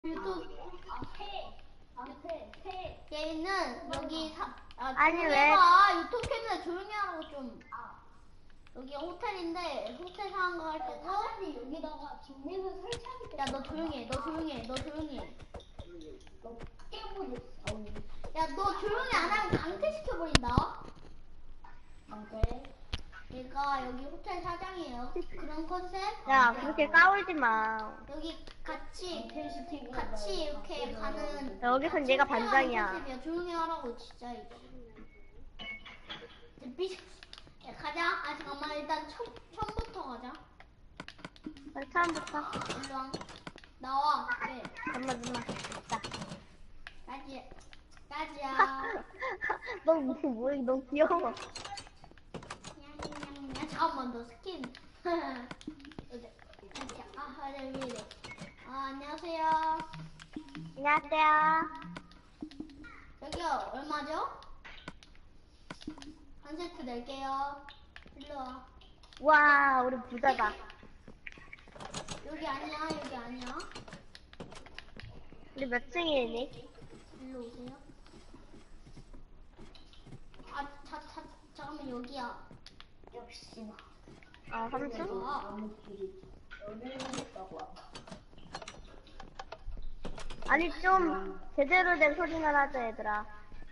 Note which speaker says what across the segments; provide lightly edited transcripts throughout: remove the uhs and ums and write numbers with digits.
Speaker 1: 유튜브 얘는 여기
Speaker 2: 아니,
Speaker 1: 조용히
Speaker 2: 왜?
Speaker 1: 해봐. 유튜브 캠에 조용히 하라고 좀. 여기 호텔인데 호텔 상황 할 거고.
Speaker 3: 여기다가 빅맥을 설치하기
Speaker 1: 야 너 조용히 해. 너 조용히 해. 너 조용히 해.
Speaker 3: 너 깨버렸어.
Speaker 1: 야 너 조용히 안 하면 강퇴시켜버린다.
Speaker 3: 안돼.
Speaker 1: 얘가 여기 호텔 사장이에요. 그런 컨셉?
Speaker 2: 야, 그렇게 까불지 마.
Speaker 1: 여기 같이 이렇게 가는.
Speaker 2: 여기선 얘가 반장이야.
Speaker 1: 컨셉이야. 조용히 하라고 진짜 이거. 야, 가자. 아 잠깐만 일단 처음부터 가자.
Speaker 2: 처음부터.
Speaker 1: 일로 와. 나와. 네.
Speaker 2: 잠깐만. 자.
Speaker 1: 까지야.
Speaker 2: 너 귀여워.
Speaker 1: 야, 잠깐만 너 스킨. 왜 이래. 안녕하세요.
Speaker 2: 안녕하세요.
Speaker 1: 여기요 얼마죠? 한 세트 낼게요. 일로 와.
Speaker 2: 와, 우리 부자다.
Speaker 1: 여기 아니야.
Speaker 2: 우리 몇 층이니?
Speaker 1: 일로 오세요. 잠깐만 여기야.
Speaker 3: 역시나.
Speaker 2: 3층? 아니, 좀 제대로 된 소리나 하자, 얘들아.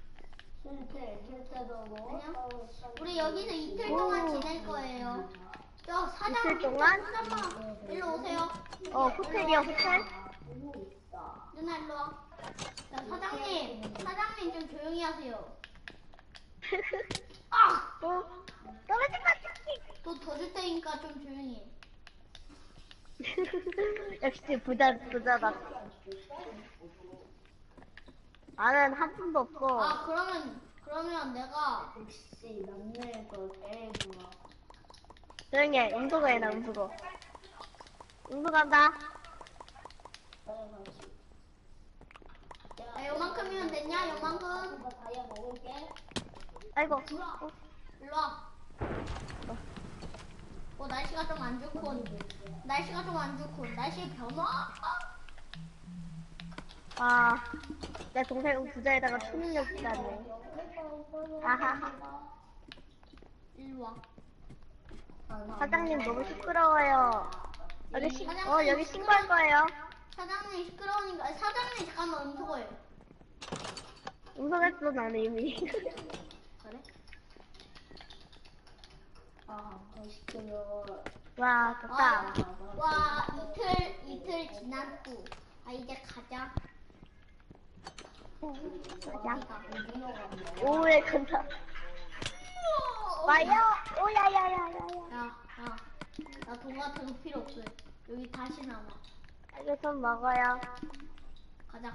Speaker 1: 우리 여기서 이틀 동안 지낼 거예요. 저 사장.
Speaker 2: 이틀 동안?
Speaker 1: 사장님 일로 오세요.
Speaker 2: 호텔이야, 호텔?
Speaker 1: 누나 일로 와. 자, 사장님 좀 조용히 하세요.
Speaker 2: 떨어질 것 같아.
Speaker 1: 또 더 줄 테니까 좀 조용히 해.
Speaker 2: 역시 부자다. 나는 한 푼도 없어.
Speaker 1: 그러면 내가
Speaker 3: 역시 남녀의 걸 제일 좋아.
Speaker 2: 조용히 해. 음소거 해놔, 음소거. 음소거한다.
Speaker 1: 야, 요만큼이면 됐냐? 요만큼.
Speaker 3: 다이아 먹을게.
Speaker 2: 아이고.
Speaker 1: 일로 와. 날씨가 좀 안 좋군. 날씨 변화?
Speaker 2: 내 동생 부자에다가 초능력 있다네. 아하하.
Speaker 1: 일로 와.
Speaker 2: 사장님 너무 시끄러워요. 여기 신고할 거예요.
Speaker 1: 사장님 시끄러우니까 사장님 잠깐만 음소거해.
Speaker 2: 음소했어, 나는 이미.
Speaker 1: 그래?
Speaker 3: 시끄러워.
Speaker 2: 와, 좋다.
Speaker 1: 와 이틀 지난 후. 이제 가자.
Speaker 2: 가자. 오후에 간다. 와요. 오야야야야야.
Speaker 1: 나 돈 같은 거 필요 없어. 여기 다시 남아.
Speaker 2: 이거 좀 먹어요.
Speaker 1: 가자.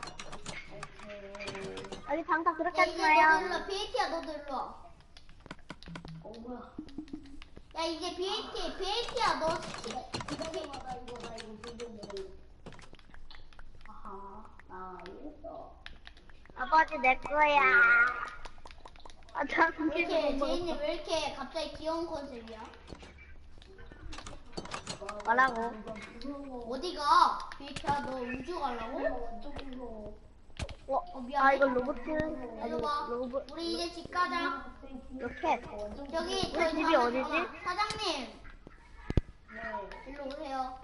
Speaker 2: 여기 방다 그렇게
Speaker 1: 야
Speaker 2: 하지
Speaker 1: 이제
Speaker 2: 마요.
Speaker 1: 너도 일로 와. BAT야 너도 일로 와.
Speaker 3: 뭐야?
Speaker 1: 야 이제 BAT야 너.
Speaker 3: 기다려봐, 이거 비벼 먹을래. 아하, 나 이랬어.
Speaker 2: 아버지 내 거야. 나
Speaker 1: 제인이 왜 이렇게 갑자기 귀여운 컨셉이야?
Speaker 2: 뭐라고?
Speaker 1: 어디가? BAT야 너 우주 가려고?
Speaker 3: 완전 무서워.
Speaker 1: 미안해.
Speaker 2: 이거 로봇.
Speaker 1: 일로 와.
Speaker 2: 로봇.
Speaker 1: 우리 이제 집 가자.
Speaker 2: 로켓.
Speaker 1: 저기
Speaker 2: 우리 집이 어디지?
Speaker 1: 사장님 일로 오세요.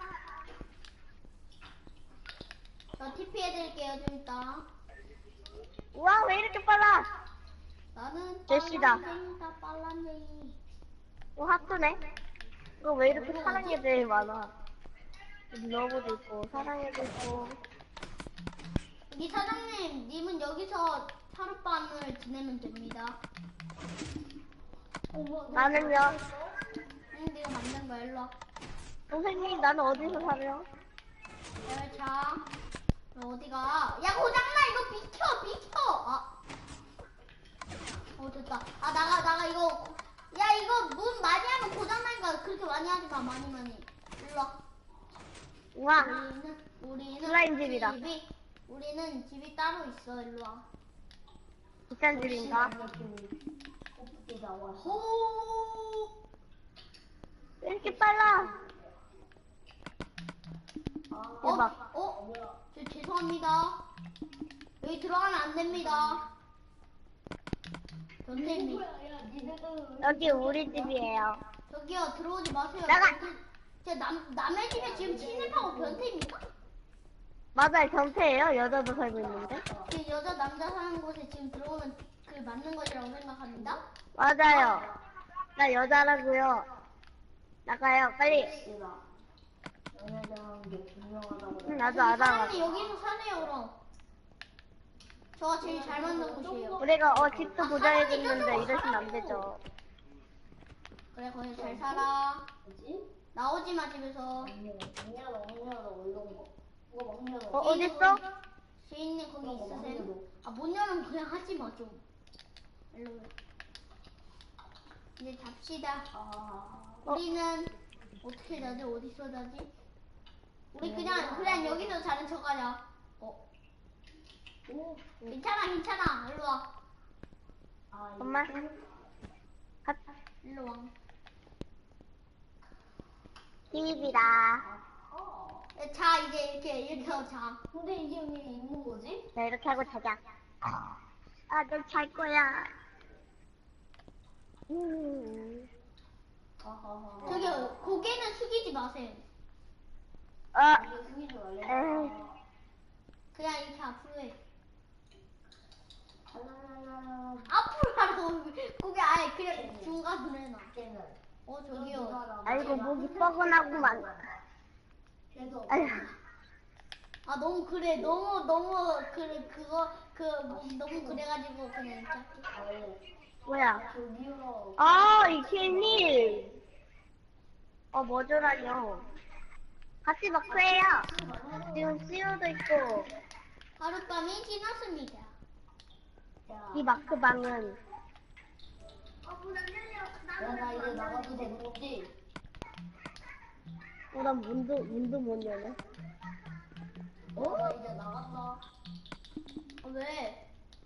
Speaker 1: 저 TP 해드릴게요 좀 이따.
Speaker 2: 우와, 왜 이렇게 빨라?
Speaker 1: 나는
Speaker 2: 제시다.
Speaker 1: 빨란쟁이.
Speaker 2: 하트네. 이거 왜 이렇게 사랑 애들이 많아? 러브도 있고, 사랑 애도 있고.
Speaker 1: 이 사장님, 님은 여기서 하룻밤을 지내면 됩니다.
Speaker 2: 나는요.
Speaker 1: 네가 만든 거야. 일로 와.
Speaker 2: 선생님, 나는 어디서 살아요?
Speaker 1: 자, 너 어디가? 야 고장나 이거 비켜. 됐다. 나가 이거. 야 이거 문 많이 하면 고장나니까 그렇게 많이 하지 마. 많이. 일로 와.
Speaker 2: 우와,
Speaker 1: 우리는
Speaker 2: 슬라임 집이다.
Speaker 1: 우리는 집이 따로 있어. 일로 와.
Speaker 2: 비싼 집인가?
Speaker 1: 호.
Speaker 2: 왜 이렇게 빨라? 대박.
Speaker 1: 뭐야? 저 죄송합니다. 여기 들어가면 안 됩니다. 변태입니다.
Speaker 3: 뭐야, 야, 니네들.
Speaker 2: 여기 우리 집이에요.
Speaker 1: 저기요, 들어오지 마세요.
Speaker 2: 나가!
Speaker 1: 저 남의 집에 지금 침입하고 변태입니까?
Speaker 2: 맞아요, 경태예요. 여자도 살고 있는데.
Speaker 1: 그 여자 남자 사는 곳에 지금 들어오면 그 맞는 것이라고 생각합니다.
Speaker 2: 맞아요. 나 여자라고요. 나가요, 빨리.
Speaker 3: 씨가. 연애자라는 게 분명하다고.
Speaker 2: 응, 나도 알아.
Speaker 1: 사람이 여기서 사네요, 그럼. 저가 제일 잘 맞는 곳이에요.
Speaker 2: 우리가 집도 보장해줬는데 이러시면 안 되죠.
Speaker 1: 그래, 거기 잘 살아.
Speaker 3: 뭐지?
Speaker 1: 나오지 마, 집에서.
Speaker 3: 문 열어, 이런 거. 이거 문 열어.
Speaker 2: 어딨어?
Speaker 1: 지인님 거기
Speaker 3: 문
Speaker 1: 있으세요?
Speaker 3: 열어.
Speaker 1: 아, 못 열으면 그냥 하지 마, 좀. 일로 와. 이제 잡시다. 우리는 어떻게 자지? 어디서 자지? 우리 그냥 여기서 자는 척 하자.
Speaker 3: 오.
Speaker 1: 괜찮아. 일로 와.
Speaker 2: 엄마.
Speaker 1: 일로 와.
Speaker 2: TV다.
Speaker 1: 자, 이제 이렇게 하고 자.
Speaker 3: 근데 이게 왜 있는 거지?
Speaker 2: 나 이렇게 하고 자자. 아, 너 잘 거야.
Speaker 1: 저기 고개는 숙이지 마세요.
Speaker 3: 이게 숨기지 말래.
Speaker 2: 에이.
Speaker 1: 그냥 이렇게 앞으로 해.
Speaker 3: 하나하나.
Speaker 1: 앞으로 하라고. 고개 아예 그냥 중간으로 해놔.
Speaker 3: 쟤는.
Speaker 1: 저기요.
Speaker 2: 아이고, 목이 뻐근하구만.
Speaker 3: 계속.
Speaker 2: 아휴.
Speaker 1: 아, 너무 그래. 너무 너무 그래가지고 그냥 이렇게.
Speaker 2: 뭐야?
Speaker 3: 저기요.
Speaker 2: 이케님. 뭐더라뇨. 같이 마크해요. 지금 CU도 있고,
Speaker 1: 하룻밤이 지났습니다.
Speaker 3: 야,
Speaker 2: 이 마크방은.
Speaker 3: 나 이제 나가도 되는 거지?
Speaker 2: 난 문도 못 여네.
Speaker 3: 나 이제 나간다.
Speaker 1: 왜?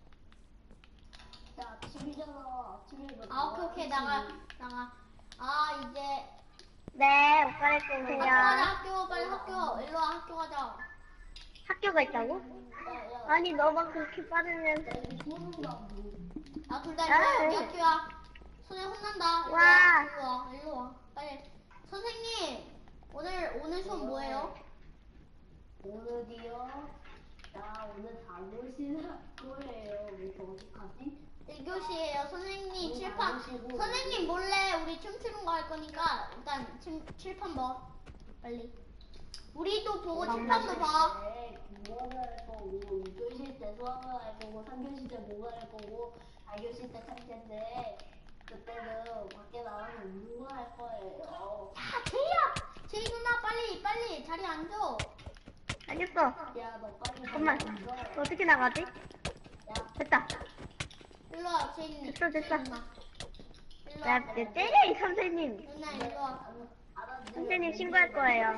Speaker 3: 야, 집이잖아. 집에
Speaker 1: 아, 오케이. 나가. 아, 이제
Speaker 2: 네, 옷 갈아입고
Speaker 1: 학교
Speaker 2: 오세요.
Speaker 1: 가자. 학교 빨리 학교. 일로 와. 학교 가자.
Speaker 2: 학교가 있다고?
Speaker 3: 야,
Speaker 2: 아니, 너만 그렇게 빠르면.
Speaker 3: 여기 소문나.
Speaker 1: 아, 둘 다 일로 와.
Speaker 2: 아,
Speaker 1: 여기 학교야. 선생 혼난다.
Speaker 2: 와.
Speaker 1: 일로 와. 빨리. 선생님, 오늘 수업 뭐예요?
Speaker 3: 오늘이요? 나 오늘 자고실 할 거예요. 우리 어떡하지?
Speaker 1: 1교시에요. 선생님
Speaker 3: 오늘
Speaker 1: 칠판.
Speaker 3: 나오시고.
Speaker 1: 선생님 몰래 우리 춤추는 거 할 거니까 일단 칠판 봐. 빨리. 우리도 보고 칠판도 봐.
Speaker 3: 국어를 할 거고, 2교시 때 수학을 할 거고, 3교시 때 국어를 할 거고, 4교시 때 참새인데, 그때는 밖에 나가서 운동할 거예요.
Speaker 1: 야, 제이 누나 빨리 자리 앉아.
Speaker 2: 알겠어.
Speaker 3: 야, 너 빨리
Speaker 2: 잠깐만.
Speaker 3: 나가.
Speaker 2: 너 어떻게 나가지?
Speaker 3: 야,
Speaker 2: 됐다.
Speaker 1: 일로 와, 제이
Speaker 2: 됐어.
Speaker 1: 누나. 일로
Speaker 2: 야,
Speaker 1: 와.
Speaker 2: 내 때려, 이 선생님.
Speaker 1: 누나 일로 와.
Speaker 2: 선생님 신고할 거예요.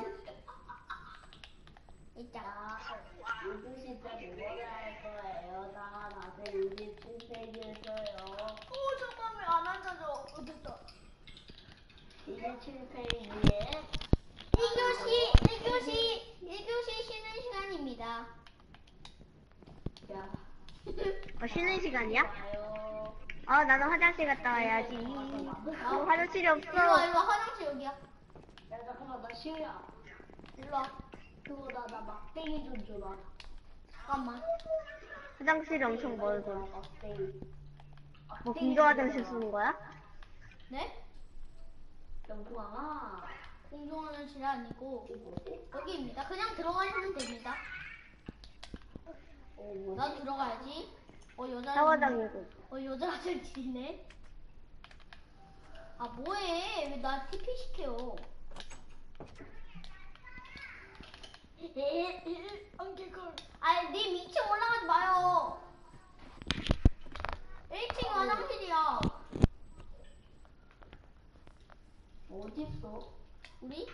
Speaker 1: 있자.
Speaker 3: 야, 2교시 때 국어를 할 거예요. 나 낮에 27페이지에서요.
Speaker 1: 잠깐만 안 앉아줘. 됐다.
Speaker 3: 27페이지에
Speaker 1: 1교시 쉬는 시간입니다.
Speaker 3: 야,
Speaker 2: 쉬는 시간이야?
Speaker 3: 봐요.
Speaker 2: 나는 화장실 갔다 와야지. 화장실이
Speaker 1: 일로 와,
Speaker 2: 없어.
Speaker 1: 화장실 여기야.
Speaker 3: 야, 잠깐만, 나 시우야.
Speaker 1: 일로 와.
Speaker 3: 그거 나 막대기 좀 줘라.
Speaker 1: 잠깐만.
Speaker 2: 화장실이 엄청 멀고.
Speaker 3: 막대기.
Speaker 2: 뭐 공조 화장실 쓰는 거야?
Speaker 1: 네?
Speaker 3: 영광아.
Speaker 1: 공동화장실 아니고
Speaker 3: 이거 뭐지?
Speaker 1: 여기입니다. 그냥 들어가시면 됩니다.
Speaker 3: 뭐지?
Speaker 1: 나도 들어가야지. 여자.
Speaker 2: 샤워장이고.
Speaker 1: 여자 화장실이네. 아, 뭐해? 왜 나 TP 시켜? 아니, 님 2층 올라가지 마요. 1층 화장실이야.
Speaker 3: 어딨어?
Speaker 1: 우리?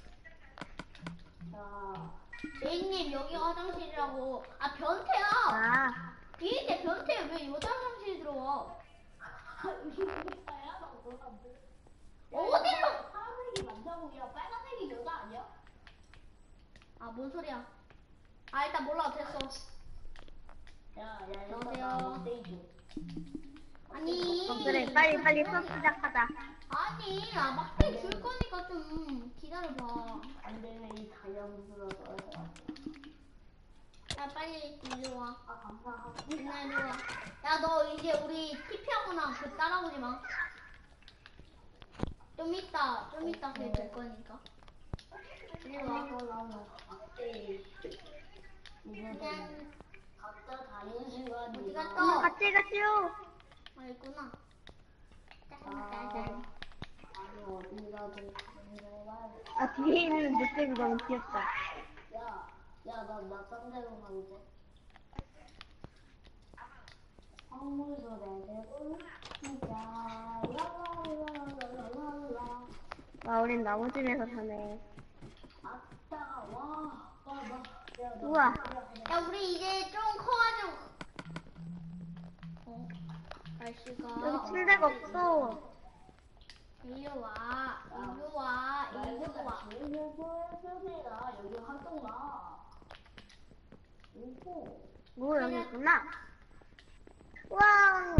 Speaker 3: 자,
Speaker 1: 제이님, 여기가 화장실이라고. 아, 변태야.
Speaker 2: 아,
Speaker 1: 비인데 변태 왜 여자 화장실에 들어와?
Speaker 3: 이거야? 나 몰랐는데.
Speaker 1: 어디로?
Speaker 3: 파란색이 남자고, 야, 빨간색이 여자 아니야?
Speaker 1: 아, 뭔 소리야? 아 일단 몰라 됐어.
Speaker 3: 야,
Speaker 1: 여보세요?
Speaker 3: 스테이지.
Speaker 1: 아니.
Speaker 2: 그래, 빨리 수업 시작하자.
Speaker 1: 아니 막대 줄 거니까 좀 기다려봐.
Speaker 3: 안 되면 이 다이아몬드로 넣어야
Speaker 1: 야 빨리 이리 와.
Speaker 3: 아, 감사합니다.
Speaker 1: 누나 이리 와. 야 너 이제 우리 TP하거나 그 따라오지 마. 좀 이따 그게 될 거니까. 이리 와. 그냥
Speaker 3: 각자 다른 시간이
Speaker 1: 어디 갔어?
Speaker 2: 같이 가시오.
Speaker 1: 아 있구나.
Speaker 3: 아,
Speaker 1: 짠짠짠.
Speaker 3: 아니 어디라도 가야 돼.
Speaker 2: 아, 뒤에 있는 늑대가 너무 귀엽다.
Speaker 3: 나 딴데로 가도 돼? 황물소 내대고 진짜 랄랄랄랄랄랄라.
Speaker 2: 와, 우린 나무집에서 사네.
Speaker 3: 아따 와.
Speaker 2: 우와.
Speaker 1: 야 우리 이제 좀 커가지고. 날씨가.
Speaker 2: 여기 침대가 없어.
Speaker 1: 이리 와. 이리 와. 이리 와.
Speaker 3: 주민센터에 여기 활동가. 오호.
Speaker 2: 뭐, 여기 있구나. 와.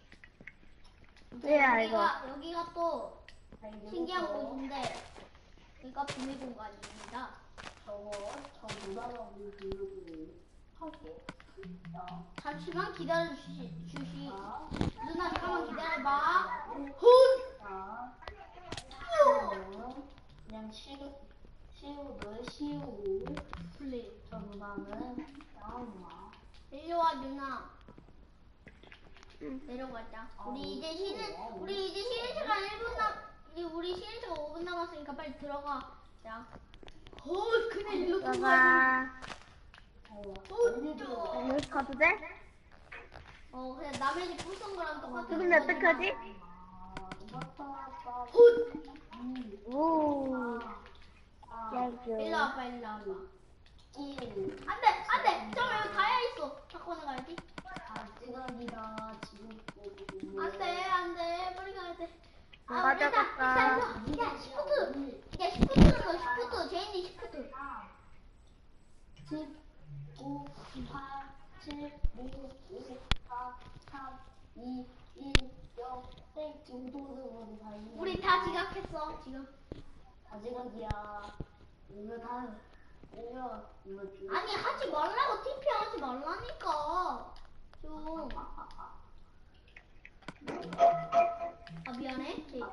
Speaker 2: 뭐야, 이거.
Speaker 1: 여기가 또 신기한 곳인데 여기가 비밀 공간입니다.
Speaker 3: 저 누나가 우리 불러주고 할게.
Speaker 1: 잠시만 기다려 주시.
Speaker 3: 자,
Speaker 1: 누나 잠깐만 기다려봐.
Speaker 3: 자, 그냥 시우는
Speaker 1: 플레이.
Speaker 3: 저 누나는 나온다.
Speaker 1: 이리 와 누나.
Speaker 2: 응.
Speaker 1: 내려가자. 우리 이제 쉬는 시간 1분 우리 쉬는 시간 5분 남았으니까 빨리 들어가. 자. 그냥 일로 들어가.
Speaker 2: 들어가.
Speaker 1: 어,
Speaker 2: 여기 가도 돼?
Speaker 1: 그냥 남의 집 부순 거랑 똑같아.
Speaker 2: 근데 어떡하지? 오.
Speaker 1: 일로
Speaker 2: 짱.
Speaker 1: 와봐, 일로 와봐. 안 돼. 잠깐만, 여기 다이아 있어. 바꿔내 가야지. 안 돼. 빨리 가야 돼.
Speaker 2: 가져갔다.
Speaker 1: 야, 시프트 눌러, 시프트. 제인이 시프트.
Speaker 3: 10, 9, 8, 7, 5, 4, 3, 2, 1, 0, 땡. 지금 도둑은 다 있네.
Speaker 1: 우리 다 지각했어, 지금.
Speaker 3: 다 지각이야. 이거 주.
Speaker 1: 아니, 하지 말라고, TP 하지 말라니까. 좀. 아, 미안해. 제인.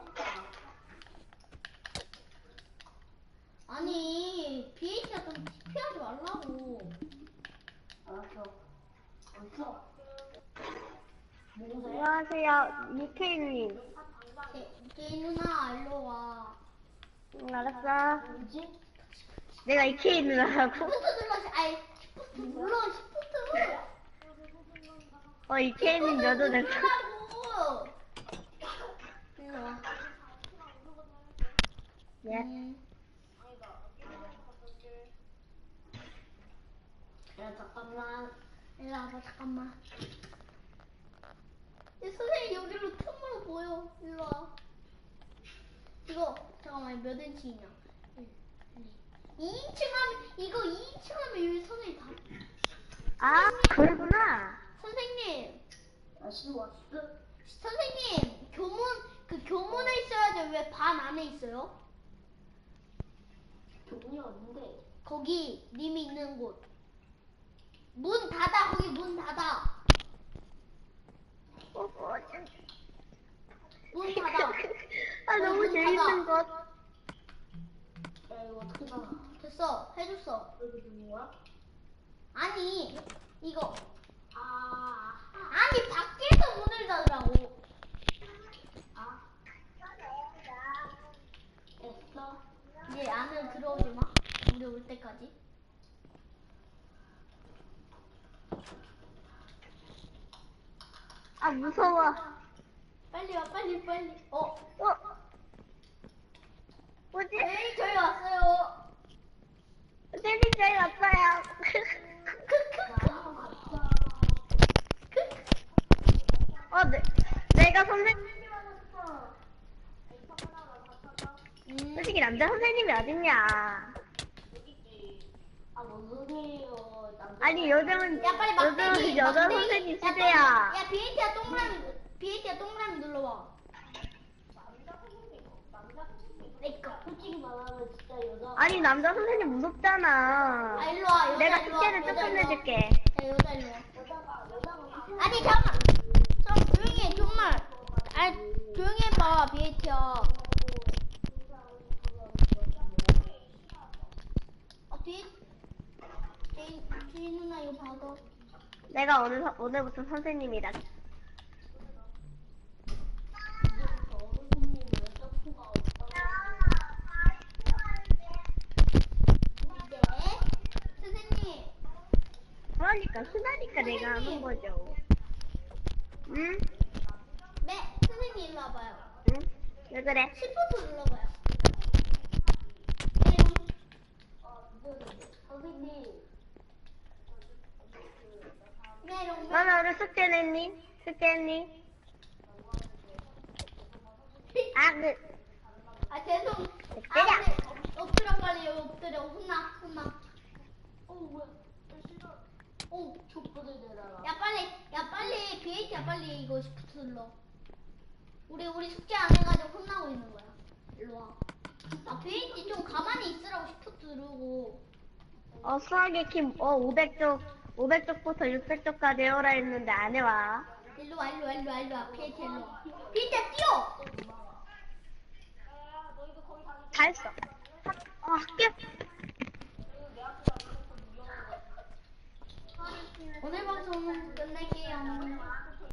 Speaker 1: 아니, BH가 좀 TP 하지 말라고.
Speaker 3: 알았어. 없어. 누구세요?
Speaker 2: 안녕하세요, 유케이님.
Speaker 1: 제인 누나, 일로 와.
Speaker 2: 응, 알았어.
Speaker 3: 누구지?
Speaker 2: 내가 이케이 누나라고?
Speaker 1: 시프트 눌러, 아이, 시프트 눌러, 시프트.
Speaker 2: 이케이님 몇도 됐어?
Speaker 1: 누르라고. 일로 와.
Speaker 2: 예.
Speaker 3: 야, 잠깐만.
Speaker 1: 일로 와봐, 잠깐만. 선생님, 여기로 틈으로 보여. 일로 와. 이거, 잠깐만, 몇 인치냐? 2인치 하면, 이거 2인치 하면 여기 선생님 다.
Speaker 2: 아, 그러구나.
Speaker 1: 선생님,
Speaker 3: 다시 왔어.
Speaker 1: 선생님, 교문에 있어야지 왜 반 안에 있어요?
Speaker 3: 교문이 어딘데?
Speaker 1: 거기, 님이 있는 곳. 문 닫아, 거기 문 닫아. 문 닫아.
Speaker 2: 아, 너무 재밌는 것.
Speaker 3: 야, 이거 어떻게 다
Speaker 1: 됐어, 해줬어.
Speaker 3: 여기 있는 거야?
Speaker 1: 아니, 이거.
Speaker 3: 아,
Speaker 1: 아니, 밖에서 문을 닫으라고.
Speaker 3: 됐어.
Speaker 1: 이제 안으로 들어오지 마. 우리 올 때까지.
Speaker 2: 아, 무서워.
Speaker 1: 빨리 와, 빨리.
Speaker 2: 뭐지?
Speaker 1: 네, 저희 왔어요.
Speaker 2: 선생님, 저희 왔어요. 내가 선생님. 솔직히 남자 선생님이 어딨냐.
Speaker 3: 아, 뭔 소리예요.
Speaker 2: 아니, 요즘은,
Speaker 1: 야 빨리 막대기.
Speaker 2: 요즘은 여자
Speaker 1: 막대기.
Speaker 2: 선생님
Speaker 1: 야,
Speaker 2: 시대야.
Speaker 1: 야 비에이티야 동그라미 눌러봐.
Speaker 3: 그러니까 솔직히 말하면 진짜 여자.
Speaker 2: 아니, 남자 선생님 무섭잖아.
Speaker 1: 아 일로 와. 여자
Speaker 2: 내가
Speaker 1: 일로 와.
Speaker 2: 숙제를
Speaker 1: 여자
Speaker 2: 조금
Speaker 1: 일로 와.
Speaker 2: 내줄게.
Speaker 1: 야 여자 일로 와. 아니 잠깐만. 좀 조용히 해 정말. 아니 조용히 해봐 비에이티야. 비에이 누나 이거 받아.
Speaker 2: 내가 오늘부터 선생님이다.
Speaker 1: 네. 선생님.
Speaker 2: 그러니까, 흔하니까 내가 하는 거죠. 응?
Speaker 1: 네. 선생님 일로 와봐요.
Speaker 2: 응? 왜 그래?
Speaker 1: 시프트 눌러봐요.
Speaker 3: 선생님.
Speaker 1: 네 이런 거.
Speaker 2: 너는 오늘 숙제 냈니? 숙제 했니?
Speaker 1: 아 죄송.
Speaker 2: 때려.
Speaker 1: 네. 엎드려 빨리 여기 엎드려. 혼나.
Speaker 3: 뭐야?
Speaker 1: 오.
Speaker 3: 족보들 내놔라.
Speaker 1: 야 빨리 비에이티야 빨리 이거 시프트 눌러. 우리 숙제 안 해가지고 혼나고 있는 거야. 일로 와. 아 비에이티 좀 가만히 있으라고 시프트 누르고.
Speaker 2: 수학의 킴, 500쪽부터 600쪽까지 해오라 했는데 안 해와.
Speaker 1: 일로 와. 비에이티야 일로 와. 비에이티야 뛰어.